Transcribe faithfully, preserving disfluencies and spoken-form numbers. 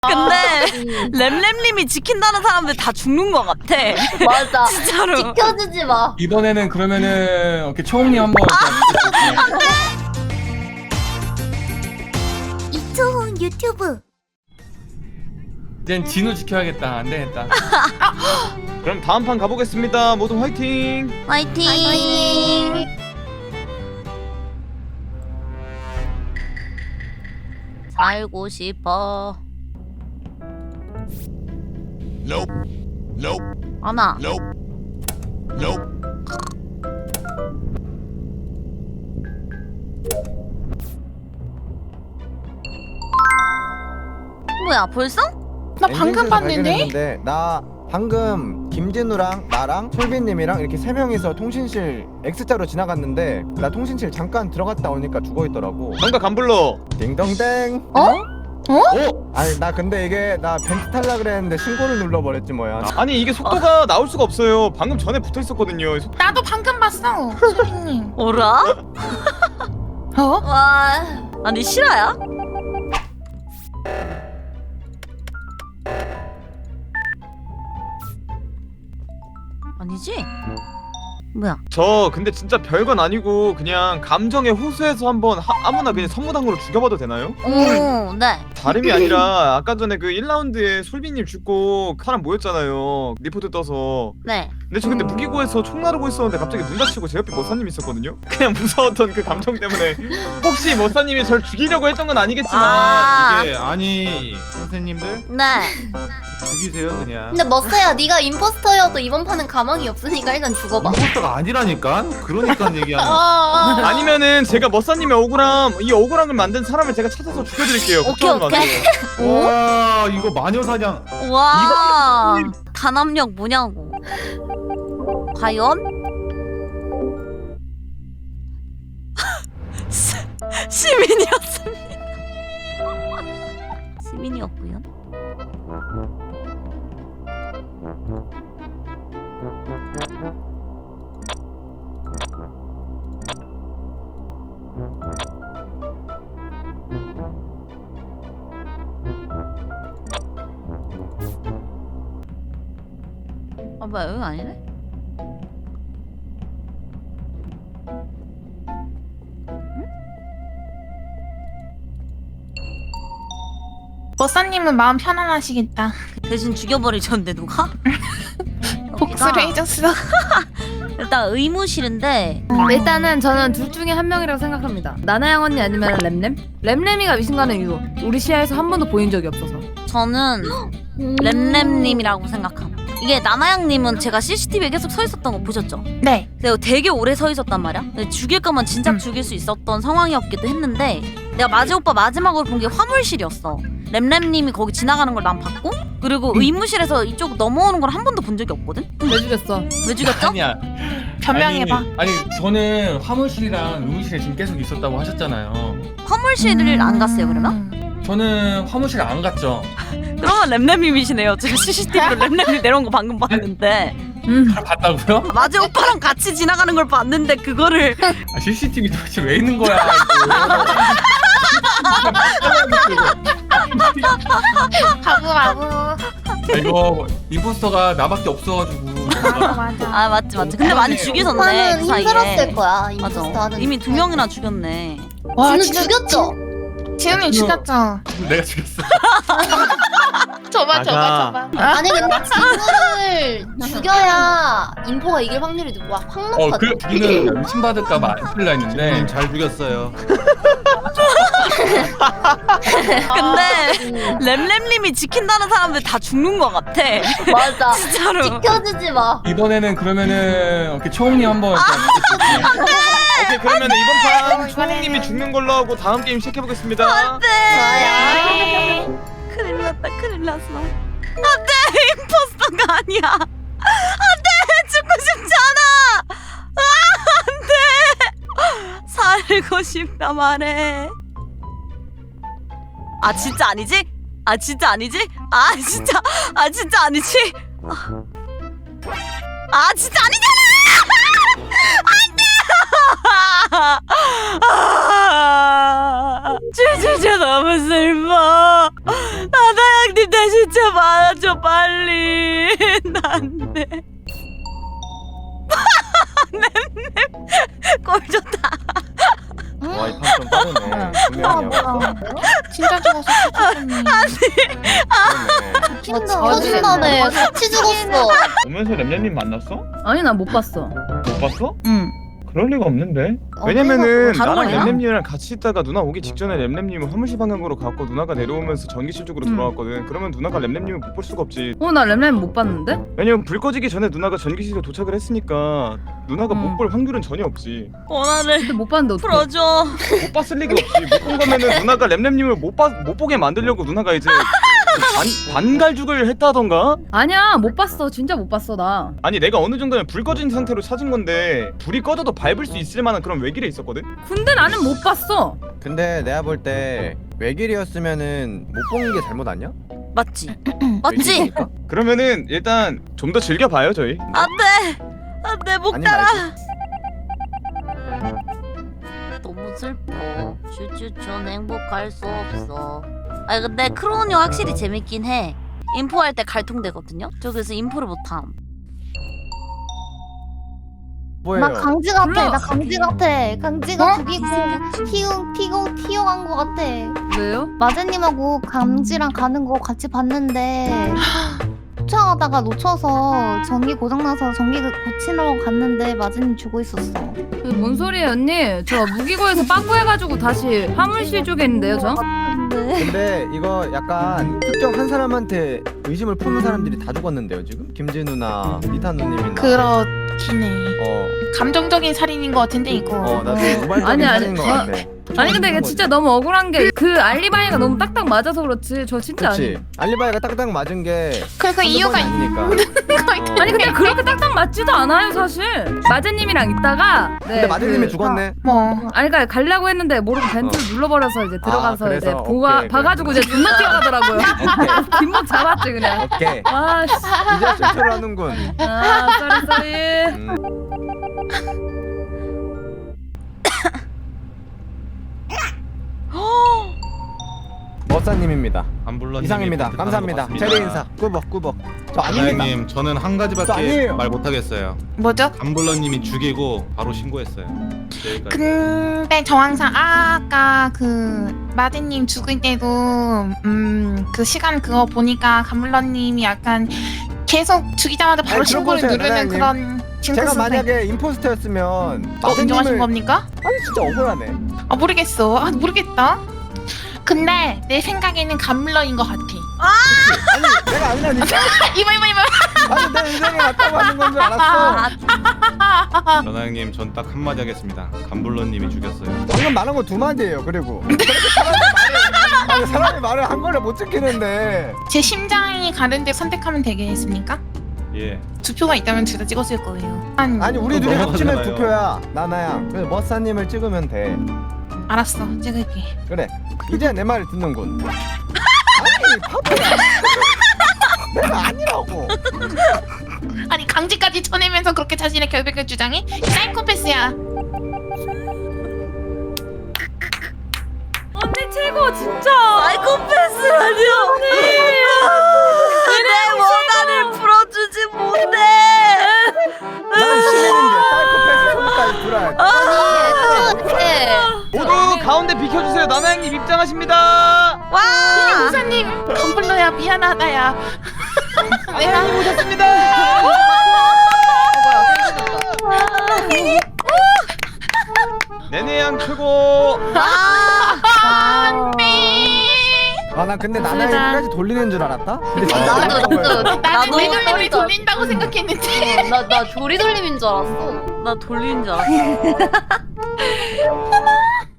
근데 램램님이 지킨다는 사람들 다 죽는 것 같아. 맞아. 진짜로. 지켜주지 마. 이번에는 그러면은 이렇게 초홍님 한번 이초훈 유튜브. 이젠 진우 지켜야겠다. 안 되겠다. 그럼 다음 판 가보겠습니다. 모두 화이팅! 화이팅. 화이팅. 살고 싶어. Nope. Nope. 아나. Nope. Nope. 뭐야 벌써? 나 방금 봤는데? 발견했는데, 나 방금 김진우랑 나랑 솔비님이랑 이렇게 세 명이서 통신실 X자로 지나갔는데 나 통신실 잠깐 들어갔다 오니까 죽어있더라고. 정각 안 불러. 딩동댕. 어? 오! 아니 나 근데 이게 나 벤트 탈라 그랬는데 신고를 눌러버렸지 뭐야. 아니 이게 속도가 나올 수가 없어요. 방금 전에 붙어 있었거든요. 속- 나도 방금 봤어, 수빈님. 어라? 어? 와. 아니 실화야? 아니지? 뭐야? 저 근데 진짜 별건 아니고 그냥 감정에 호소해서 한번 하, 아무나 그냥 선무당으로 죽여봐도 되나요? 오, 네. 다름이 아니라 아까 전에 그 일 라운드에 솔비님 죽고 사람 모였잖아요. 리포트 떠서. 네. 근데 저 근데 무기고에서 총 나르고 있었는데 갑자기 문 닫히고 제 옆에 머사님 있었거든요? 그냥 무서웠던 그 감정 때문에 혹시 머사님이 절 죽이려고 했던 건 아니겠지만 아. 이게 아니 선생님들 네. 죽이세요 그냥. 근데 머스야, 네가 임포스터여도 이번 판은 가망이 없으니까 일단 죽어봐. 임포스터가 아니라니까. 그러니까 얘기하는. 어. 아니면은 제가 머사님의 억울함 이 억울함을 만든 사람을 제가 찾아서 죽여드릴게요. 오케이, 걱정하지 오케이. 마세요. 와 이거 마녀 사냥. 와. 단합력 뭐냐고. 과연? 시- 시민이었습니다. 시민이었고요. 아 뭐야 여기 아니네? 머사님은 마음 편안하시겠다. 대신 죽여버리셨는데 누가? 복수를 해줬어. 일단 의무실인데 일단은 저는 둘 중에 한 명이라고 생각합니다. 나나양 언니 아니면 램램? 램램이가 의심 가는 이유. 우리 시야에서 한 번도 보인 적이 없어서. 저는 램램님이라고 생각함. 이게 나나양님은 제가 씨씨티비에 계속 서 있었던 거 보셨죠? 네. 내가 되게 오래 서 있었단 말이야. 근데 죽일 거면 진작 음. 죽일 수 있었던 상황이었기도 했는데 내가 마지 오빠 마지막으로 본 게 화물실이었어. 램램님이 거기 지나가는 걸 난 봤고 그리고 의무실에서 이쪽 넘어오는 걸 한 번도 본 적이 없거든? 왜 죽였어? 왜 죽였죠? 아니야. 변명해봐. 아니, 아니 저는 화물실이랑 의무실에 지금 계속 있었다고 하셨잖아요. 화물실을 안 갔어요 그러면? 음. 저는 화물실 안 갔죠. 그러면 램램님이시네요. 제가 씨씨티비로 램램이 내려온 거 방금 봤는데 음. 봤다고요? 마지 오빠랑 같이 지나가는 걸 봤는데 그거를 아, 씨씨티비 도대체 왜 있는 거야? 바보 바보. 아, 이거 임포스터가 나밖에 없어가지고. 맞아 맞아. 아 맞지 맞지. 근데 많이 죽이셨네 오빠는 그 사이에. 힘들었을 거야. 맞아. 임포스터 하는. 이미 두 명이나 죽였네. 와 진우 진짜 죽였죠? 지훈이 죽였죠. 내가 죽였어. 줘봐 맞아. 줘봐 줘봐. 아니 근데 진우를 죽여야 인포가 이길 확률이 확 어, 높거든. 그 죽이는 의심받을까봐 안 풀라 했는데. 음, 잘 죽였어요. 근데 램램님이 지킨다는 사람들 다 죽는 것 같아. 맞아. 진짜로. 지켜주지 마. 이번에는 그러면은 이렇게 초홍님 한번. 오케이 그러면 이번 판 초홍님이 죽는 걸로 하고 다음 게임 시작해보겠습니다. 안돼. 좋아요. 큰일 났다 큰일 났어. 안돼 임포스터가 아니야. 안돼 죽고 싶지 않아. 아, 안돼. 살고 싶다 말해. 아 진짜 아니지? 아 진짜 아니지? 아 진짜 아 진짜 아니지? 아, 아 진짜 아니잖아! 안돼! 진짜 너무 슬퍼. 나나양님 안돼 진짜 맞아줘 빨리. 안돼. 램램 꼴 좋다. 와, 이 판 좀 빠르네. 분명히야. 진짜 죽었어. 아니 그러네. 짜증나네. 같이 죽었어. 오면서 램램님 만났어? 아니 나 못 봤어. 못 봤어? 응. 그럴 리가 없는데. 어, 왜냐면은 다른 나랑 거야? 램램님이랑 같이 있다가 누나 오기 직전에 램램님은 화물실 방향으로 갔고 누나가 내려오면서 전기실 쪽으로 음. 돌아왔거든. 그러면 누나가 램램님을 못 볼 수가 없지. 어 나 램램 못 봤는데? 왜냐면 불 꺼지기 전에 누나가 전기실에 도착을 했으니까 누나가 음. 못 볼 확률은 전혀 없지. 원한을 근데 못 봤는데 어떡해. 풀어줘. 못 봤을 리가 없지. 못 본 거면은 누나가 램램님을 못, 봐, 못 보게 만들려고 누나가 이제 반, 반갈죽을 했다던가? 아니야 못 봤어. 진짜 못 봤어 나. 아니 내가 어느 정도면 불 꺼진 상태로 찾은 건데 불이 꺼져도 밟을 수 있을 만한 그런 외길에 있었거든? 근데 나는 못 봤어. 근데 내가 볼 때 외길이었으면은 못 본 게 잘못 아니야? 맞지? 맞지? 외길이니까? 그러면은 일단 좀 더 즐겨봐요 저희. 안돼 안돼 못 아니 가라. 말고. 너무 슬퍼. 쭈쭈쭈는 행복할 수 없어. 아니 근데 크로니 확실히 재밌긴 해. 인포할 때 갈통되거든요. 저 그래서 인포를 못함. 뭐예요? 나 강지 같아. 몰라. 나 강지 같아. 강지가 죽이고 티용 티용 튀어간 거 같아. 왜요? 마제님하고 강지랑 가는 거 같이 봤는데 쫓아가다가 놓쳐서 전기 고장나서 전기 고치러 갔는데 마제님 죽어 있었어. 그게 뭔 소리예요 언니? 저 무기고에서 빠꾸 해가지고 다시 화물실 쪽에 있는데요 저? 근데 근데 이거 약간 특정 한 사람한테 의심을 품은 사람들이 다 죽었는데요 지금? 김진우나 리타 누님이나 그렇긴 해. 어, 감정적인 살인인 것 같은데 이거. 어 나도 우발적인 아니, 아니, 사진인 것 저- 같아. 아니 근데 이게 진짜 너무 억울한 게 그 알리바이가 너무 딱딱 맞아서 그렇지 저 진짜 아니 그치 알리바이가 딱딱 맞은 게 그, 그 이유가 있... 아니니까. 아니 근데 그렇게 딱딱 맞지도 않아요 사실. 마제님이랑 있다가 네, 근데 마드님이 그- 죽었네. 뭐. 아니 그러니까 가려고 했는데 모르고 벤트를 눌러버려서 이제 들어가서 아, 그래서? 이제 보가 오케이, 봐가지고 이제 존나 뛰어가더라고요. 뒷목 잡았지 그냥. 오케이 아씨. 이제 실수를 하는군. 아 쏘리 쏘리. 음. 머사님입니다. 안불러님 이상입니다. 감사합니다. 제리 인사. 꾸벅 꾸벅. 저 아닙니다. 사장님 저는 한 저 가지밖에 아니에요. 말 못하겠어요. 뭐죠? 안불러님이 죽이고 바로 신고했어요. 여기까지. 근데 저 항상 아까 그 마드님 죽을 때도 음 그 시간 그거 보니까 감물러님이 약간 계속 죽이자마자 바로 아니, 신고를 들어보세요, 누르는 나나님. 그런 제가 징크스 만약에 임포스터였으면 어, 인정하신 마드님을 겁니까? 아니 진짜 억울하네. 아 모르겠어. 아 모르겠다. 근데 내 생각에는 감물러인 것 같아. 아니 내가 아니라니까. 이봐 이봐 이봐. 아니 내 인생에 맞다고 하는 건 줄 알았어. 전화형님 전 딱 한마디 하겠습니다. 감불러님이 죽였어요. 방금 말한 거 두 마디예요. 그리고 그렇게 사람이 말을 아니 사람이 말을 한 거를 못 지키는데. 제 심장이 가는데 선택하면 되겠습니까? 예. 두 표가 있다면 둘 다 찍었을 거예요. 아니, 아니 우리 둘이 넘어가잖아요. 합치면 두 표야. 나나양. 그래서 머사님을 찍으면 돼. 알았어 찍을게. 그래. 이제 내 말을 듣는군. 아니 바보야. 내가 아니라고. 아니 강제까지 쳐내면서 그렇게 자신의 결백을 주장해? 이 사이코패스야. 언니 최고 진짜. 사이코패스라니 언니. 내 원한을 풀어주지 못해. 난 시민인데 사이코패스 손까지 들어야 돼. 아, 모두 가운데 비켜주세요. 나나형님 입장하십니다. 와. 형사님 덤블러야 미안하다야. 나나형님 오셨습니다. 내내양 최고. 아 나 근데 나나양 끝까지 돌리는 줄 알았다. 근데 진짜 나도 아닌 거야. 나도 나는 나도 왜돌림을 돌린다고 생각했는데. 나나 조리돌림인 줄 알았어. 나 돌리는 줄 알았어.